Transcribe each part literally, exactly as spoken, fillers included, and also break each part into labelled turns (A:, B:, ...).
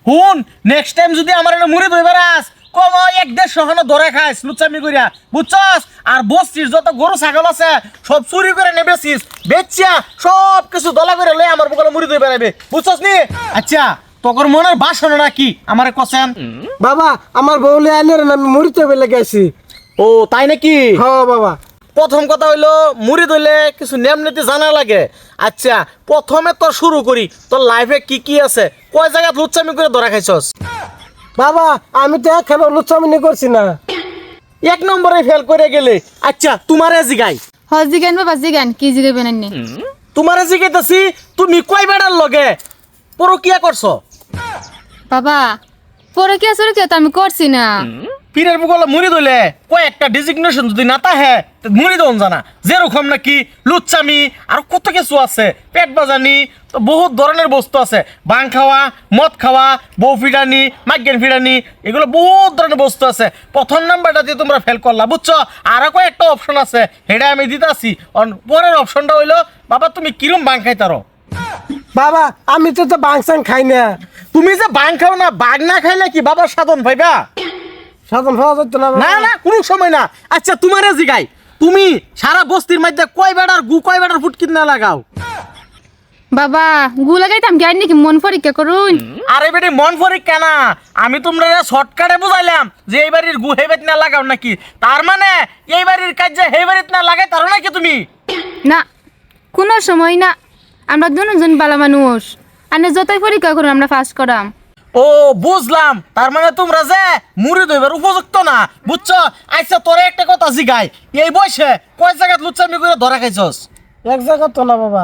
A: হুন next time যদি আমার এটা মুড়ি ধইবার আস কম এক দেড় সহানো ধরে খাইস লুচ্চামি করিয়া বুঝছস। আর বস্তির যত গরু ছাগল আছে সব চুরি করে নেবেছিস বেচিয়া সব কিছু দলা করে লই আমার বগলে মুড়ি ধই বেড়াবে বুঝছস নি। আচ্ছা তোর মনের বাসনা নাকি আমারে কছেন?
B: বাবা আমার বউলে আইনের আমি মুড়িতে বেলে গেছি।
A: ও তাই নাকি?
B: হ্যাঁ বাবা।
A: প্রথম কথা হইলো মুড়ি ধইলে কিছু নিয়ম নীতি জানা লাগে। আচ্ছা প্রথমে তোর শুরু করি, তোর লাইফে কি কি আছে, কয় জায়গা লুচ্চামি করে ধরা খাইছস?
B: বাবা আমি তো একখানে লুচ্চামিনি করছি না।
A: এক নম্বরে ফেল করে গেলে। আচ্ছা তোমারে জিগাই,
C: হ জিগান বাবা জিগান, কি জিগাইবেন আন্নি?
A: তোমারে জিগাইতাছি তুমি কয় বেড়ার লগে পরকিয়া করছো?
C: বাবা পরে কি আসলে কি তো আমি করছি না।
A: পীরের বুকলে মুড়ি ধইলে কয় একটা ডেজিগনেশন যদি না তাহে মুড়ি দন জানা যেরকম নাকি লুচ্চামি আর কত কিছু আছে, পেট বাজানি, তো বহুত ধরনের বস্তু আছে, বাং খাওয়া, মদ খাওয়া, বউ ফিডানি, মাইগ্রেন ফিডানি, এগুলো বহুত ধরনের বস্তু আছে। প্রথম নাম্বারটা দিয়ে তোমরা ফেল করলা বুঝছো। আরো কয়েকটা অপশন আছে সেটা আমি দিতেছি। পরের অপশনটা হইলো বাবা তুমি কিরম বাং খাইতারো?
B: বাবা আমি তো তো বাংসাং খাই না।
A: তুমি যে বাং খাও না, বাঘ না খাইলে কি বাবার সাধন ভাইবা?
B: সাধন হওয়া যেত না
A: না না কোনো সময় না। আচ্ছা তোমারে জিগাই, তুমি সারা বস্তির মধ্যে কয় বেড়ার গু কয় বেড়ার ফুটকিন না লাগাও?
C: বাবা গু লাগাইতাম কি আন্নি কি মন পরীক্ষা করুন?
A: আরে বেটি মন পরীক্ষা না, আমি তোমরা শর্টকাটে বুঝাইলাম যে এই বাড়ির গু হেবেত না লাগাও নাকি। তার মানে এই বাড়ির কাজ যে হে বাড়িত না লাগাই তারও নাকি তুমি?
C: না কোনো সময় না, আমরা দুজন বালা মানুষ, আন্নে যতই পরীক্ষা করুন আমরা ফার্স্ট করাম।
A: ও বুঝলাম, তার মানে তোমরা যে মুড়ি ধইবার উপযুক্ত না বুঝছো। আচ্ছা তোরে একটা কথা জিগাই, এই বয়সে কয় জায়গা লুচ্চামি করে ধরা খাইছস?
B: এক জায়গা তো না বাবা।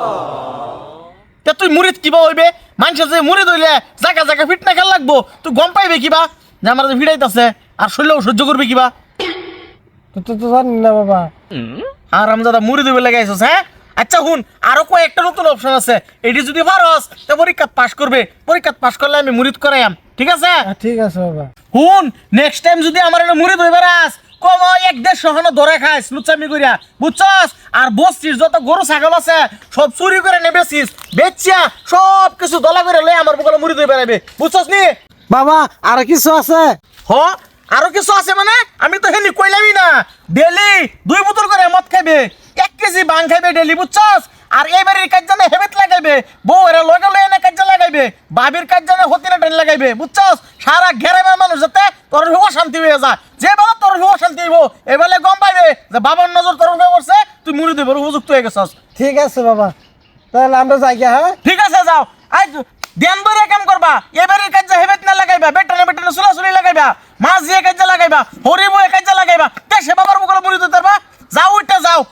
A: তে তুই মুড়িত কিবা হইবে? মানুষের যে মুড়ি ধইলে জায়গা জায়গা ফিট না খেল লাগবো, তুই গম পাইবে কিবা যে আমার যে ফিটাইতাছে আর শরীরেও সহ্য করবে কিবা?
B: তো তো তো জানি না বাবা।
A: আর আমি দাদা মুড়ি ধইবে লাগাইছস হ্যাঁ? আচ্ছা হুন আরো কয়েকটা নতুন অপশন আছে, এটি যদি পারস তো পরীক্ষা পাস করবে, পরীক্ষা পাস করলে আমি মুড়িত করাইম ঠিক আছে?
B: হ্যাঁ, ঠিক আছে বাবা।
A: হুন নেক্সট টাইম যদি আমার এটা মুড়ি ধইবার আস কম এক দেড় সহানো ধরে খাইস লুচ্চামি করিয়া বুঝছস। আর বস্তির যত গরু ছাগল আছে সব চুরি করে নেবেছিস বেচিয়া সব কিছু দলা করে লই আমার বগলে মুড়ি ধই বেড়াবে বুঝছস নি।
B: বাবা আর কিছু আছে?
A: হ আরো কিছু আছে মানে আমি তো হেনি কইলামই না। ডেলি দুই বোতল করে মদ খাইবে, এক কেজি বাং খাইবে ডেলি বুঝছস। আর এই বাড়ির কাজ জানে হেবেত লাগাইবে, বউ এরা লগে লয়ে এনে কাজ লাগাইবে, বাবির কাজ জানে হতিনা টেন লাগাইবে বুঝছস। সারা ঘেরামের মানুষ যাতে তোর অশান্তি হয়ে যায়, যে বেলা তোর অশান্তি হইব এবেলে গম পাইবে যে বাবার নজর তোর উপরে পড়ছে, তুই মুড়ি দিবার উপযুক্ত হয়ে গেছস।
B: ঠিক আছে বাবা, তাহলে আমরা যাই গিয়া। হ্যাঁ
A: ঠিক আছে যাও। আই ধ্যান ধরে কাম করবা, এবারের কাজ হেবেত না লাগাইবা, বেটানে বেটানে সুলাসুলি লাগাইবা, মাছ দিয়ে কাজ লাগাইবা, হরি বয়ে কাজ লাগাইবা, দেশে বাবার মুখে মুড়ি দিতে পারবা। যাও উঠতে যাও।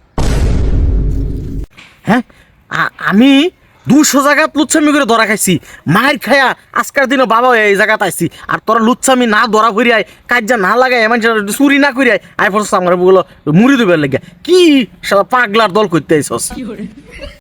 A: হ্যাঁ আমি দুশো জায়গা লুচ্ছামি করে ধরা খাইছি, মায়ের খায়া আজকের দিনও বাবা এই জায়গাতে আইছি। আর তোরা লুচ্ছামি না ধরা করিয়াই কাজা না লাগাই এমন চুরি না করিয়াই আই ফোর্স আমার বগুলো মুড়ি দিবার লাগে কি পাগলার দল করতে আইসস।